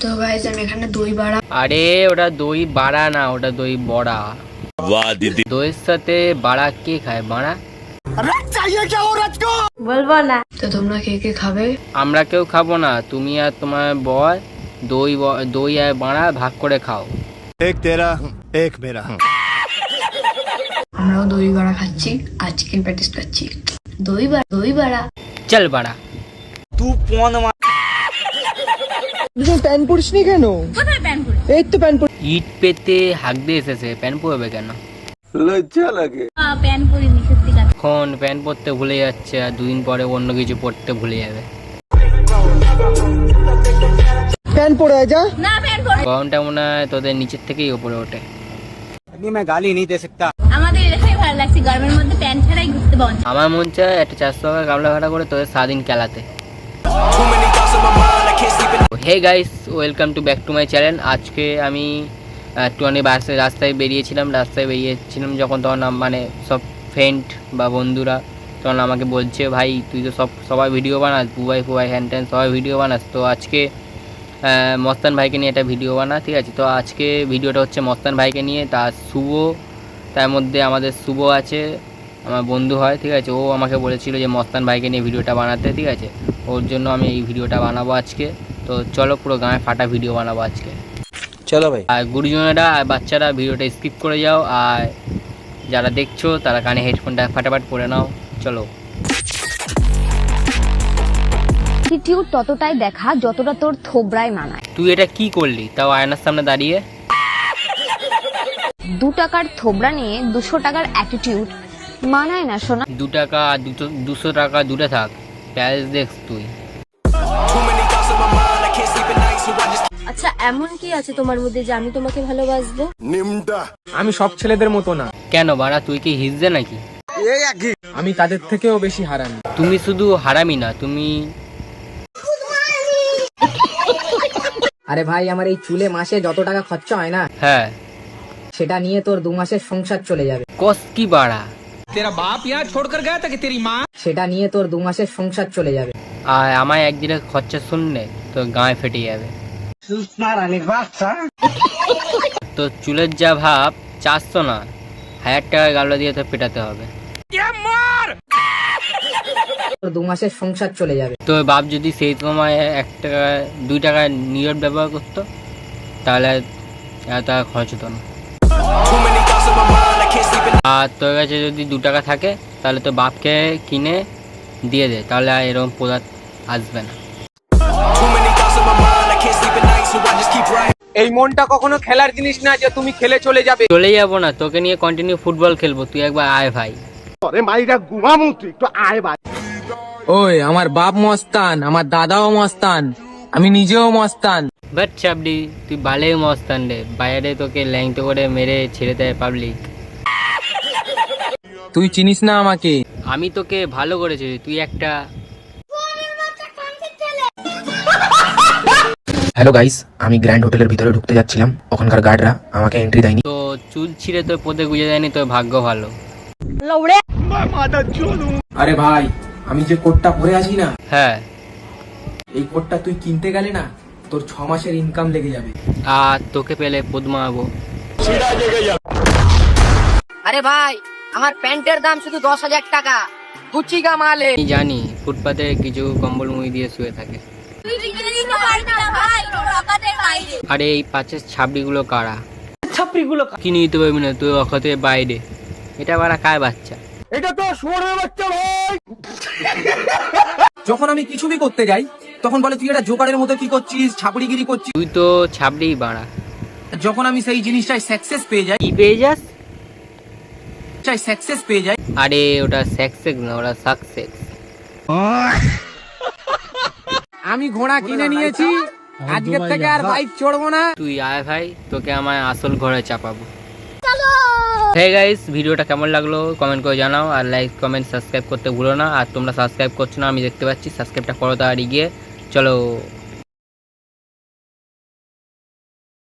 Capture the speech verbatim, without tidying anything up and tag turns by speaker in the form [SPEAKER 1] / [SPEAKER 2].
[SPEAKER 1] তো গাইস আমি এখানে দই বড়া।
[SPEAKER 2] আরে ওটা দই বড়া না, ওটা দই বড়া।
[SPEAKER 3] वाह दीदी।
[SPEAKER 2] দইয়ের সাথে বড়া কে খায়? বড়া
[SPEAKER 1] বলবো না। তো তোমরা কে কে খাবে?
[SPEAKER 2] আমরা কেউ খাবো না, তুমি আর তোমার বর দই দই আর বড়া ভাগ করে খাও।
[SPEAKER 3] एक तेरा एक मेरा।
[SPEAKER 1] আমরাও দই বড়া খাচ্ছি আর চিকেন প্যাটিস খাচ্ছি। দই বড়া দই বড়া
[SPEAKER 2] চল বড়া।
[SPEAKER 4] तू फोन मार।
[SPEAKER 5] তুমি প্যান পরিসনি কেন?
[SPEAKER 1] কোথায় প্যান পরি?
[SPEAKER 5] এই তো প্যান পরি।
[SPEAKER 2] ইট পেতে হাঁক দিয়ে এসেছে, প্যান পরবে কেন?
[SPEAKER 3] लज्जा लगे।
[SPEAKER 1] হ্যাঁ প্যান পরিনি সত্যি কথা।
[SPEAKER 2] এখন প্যান পরতে ভুলে যাচ্ছে আর দুদিন পরে অন্য কিছু পরতে ভুলে যাবে।
[SPEAKER 5] প্যান পরে আয় যা।
[SPEAKER 1] না প্যান পরি।
[SPEAKER 2] গরমটা মনে হয় তোদের নিচের থেকেই উপরে ওঠে।
[SPEAKER 4] अभी मैं गाली नहीं दे सकता।
[SPEAKER 1] আমাদের এলাকায় ভালো লাগছে, গরমের মধ্যে প্যান ছাড়াই ঘুরতে পাওয়া যায়।
[SPEAKER 2] আমার মন চায় একটা চারশো টাকা গামলা ভাড়া করে তোদের সারাদিন খেলাতে। Hey guys, welcome to back to my channel. আজকে আমি একটুখানি বাসে রাস্তায় বেরিয়েছিলাম রাস্তায় বেরিয়েছিলাম যখন তখন আম- মানে সব ফ্রেন্ড বা বন্ধুরা তখন আমাকে বলছে, ভাই তুই তো সব সবাই ভিডিও বানাস, বুবাই ফুবাই হ্যান ত্যান সবাই ভিডিও বানাস, তো আজকে আহ, মস্তান ভাইকে নিয়ে একটা ভিডিও বানা, ঠিক আছে? তো আজকে ভিডিওটা হচ্ছে মস্তান ভাইকে নিয়ে। তার শুভ, তার মধ্যে আমাদের শুভ আছে, আমার বন্ধু হয়, ঠিক আছে? ও আমাকে বলেছিল যে মস্তান ভাইকে নিয়ে ভিডিওটা বানাতে, ঠিক আছে? ওর জন্য আমি এই ভিডিওটা বানাবো আজকে। তো চলো পুরো গায়ে ফাটা ভিডিও বানাবো আজকে।
[SPEAKER 4] चलो भाई।
[SPEAKER 2] আর গুরুজনেরা আর বাচ্চারা ভিডিওটা স্কিপ করে যাও, আর যারা দেখছো তারা কানে হেডফোনটা ফাটাফাট পরে নাও। চলো।
[SPEAKER 6] অ্যাটিটিউড ততটাই দেখা যতটা তোর থোবরায় মানায়।
[SPEAKER 2] তুই এটা কি করলি তাও আয়নার সামনে দাঁড়িয়ে?
[SPEAKER 6] দু টাকার থোবরা নিয়ে দুশো টাকার অ্যাটিটিউড মানায় না শোনা।
[SPEAKER 2] দু টাকা আর দুটো দুশো টাকা দূরে থাক, প্যালেস দেখ তুই।
[SPEAKER 7] আচ্ছা এমন কি আছে তোমার মধ্যে যে আমি তোমাকে ভালোবাসবো?
[SPEAKER 3] निम्डा।
[SPEAKER 5] আমি সব ছেলেদের মতো না,
[SPEAKER 2] কেন বাড়া, তুই কি হিজড়ে নাকি?
[SPEAKER 5] আমি তাদের থেকেও বেশি হারামি।
[SPEAKER 2] তুমি শুধু হারামি না, তুমি
[SPEAKER 5] আরে ভাই, আমার এই চুলে মাসে যত টাকা খরচা হয় না,
[SPEAKER 2] হ্যাঁ
[SPEAKER 5] সেটা নিয়ে তোর দু মাসের সংসার চলে যাবে।
[SPEAKER 2] কস কি বাড়া,
[SPEAKER 5] সেটা নিয়ে তোর দু মাসের সংসার চলে যাবে।
[SPEAKER 2] আর আমায় একদিনের খরচা শুনলে তো গায়ে ফেটে যাবে। তো চুলের যা ভাব, চারশো না হাজার টাকা গামলা দিয়ে তো পেটাতে হবে।
[SPEAKER 5] তোর দু মাসের সংসার চলে যাবে।
[SPEAKER 2] তো বাপ যদি সেই সময় এক টাকা দুই টাকা নীরব ব্যবহার করতো তাহলে এত টাকা খরচ হতো না। আর তোর কাছে যদি দু টাকা থাকে তাহলে তো বাপকে কিনে দিয়ে দে, তাহলে আর এরকম পদার্থ আসবে না।
[SPEAKER 5] এই মনটা কখনো খেলার জিনিস না যে তুমি খেলে চলে যাবে।
[SPEAKER 2] চলে যাবো না, তোকে নিয়ে কন্টিনিউ ফুটবল খেলবো, তুই একবার আয় ভাই।
[SPEAKER 5] ওই আমার বাপ মস্তান, আমার দাদাও মস্তান, আমি নিজেও মস্তান।
[SPEAKER 2] বাট চাপড়ি, তুই ভালোই মস্তান রে, বাইরে তোকে ল্যাংটো করে মেরে ছেড়ে দেয় পাবলিক।
[SPEAKER 5] তুই চিনিস না আমাকে।
[SPEAKER 2] আমি তোকে ভালো করেছি, তুই একটা
[SPEAKER 8] হ্যালো গাইস, আমি গ্র্যান্ড হোটেলের ভিতরে ঢুকতে যাচ্ছিলাম, ওখানকার গার্ডরা আমাকে এন্ট্রি দেয়নি।
[SPEAKER 2] তো চুল ছিঁড়ে তোর পদে গুজে দেয়নি, তোর ভাগ্য ভালো।
[SPEAKER 5] আরে ভাই, আমি যে কোটটা পরে আছি না,
[SPEAKER 2] হ্যাঁ,
[SPEAKER 5] এই কোটটা তুই কিনতে গেলে না তোর ছ মাসের ইনকাম লেগে যাবে।
[SPEAKER 2] আর তোকে পেলে পদ্মাবো।
[SPEAKER 9] আরে ভাই, আমার প্যান্টের দাম শুধু দশ হাজার টাকা, গুচি গা মালে।
[SPEAKER 2] আমি জানি ফুটপাতে কিছু কম্বল মুই দিয়ে শুয়ে থাকে। আরে এই পাঁচের ছাবড়িগুলো কারা?
[SPEAKER 5] ছাপড়িগুলো
[SPEAKER 2] কি নিতে পারবি না তুই অক্ষতে বাইরে? এটা বারা কায় বাচ্চা?
[SPEAKER 5] এটা তো শুয়োরের বাচ্চা ভাই। যখন আমি কিছুই করতে যাই তখন বলে তুই এটা জোকারের মতো কি করছিস, ছাপড়িগিরি করছিস।
[SPEAKER 2] তুই তো ছাবড়ি বাড়া।
[SPEAKER 5] যখন আমি সেই জিনিসটাই সাকসেস পেয়ে যাই,
[SPEAKER 2] কি পেয়ে যাস?
[SPEAKER 5] চাই সাকসেস পেয়ে যাই,
[SPEAKER 2] আরে ওটা সাকসেস না, ওটা সাকসেস।
[SPEAKER 5] আমি ঘোড়া কিনে নিয়েছি, আজকের থেকে আর বাইক চড়বো না।
[SPEAKER 2] তুই আয় ভাই, তোকে আমার আসল ঘরে চাপাবো। হে গাইস, ভিডিওটা কেমন লাগলো কমেন্ট করে জানাও, আর লাইক কমেন্ট সাবস্ক্রাইব করতে ভুলো না। আর তোমরা সাবস্ক্রাইব করছো না আমি দেখতে পাচ্ছি, সাবস্ক্রাইবটা করো তাড়াতাড়ি গিয়ে। চলো।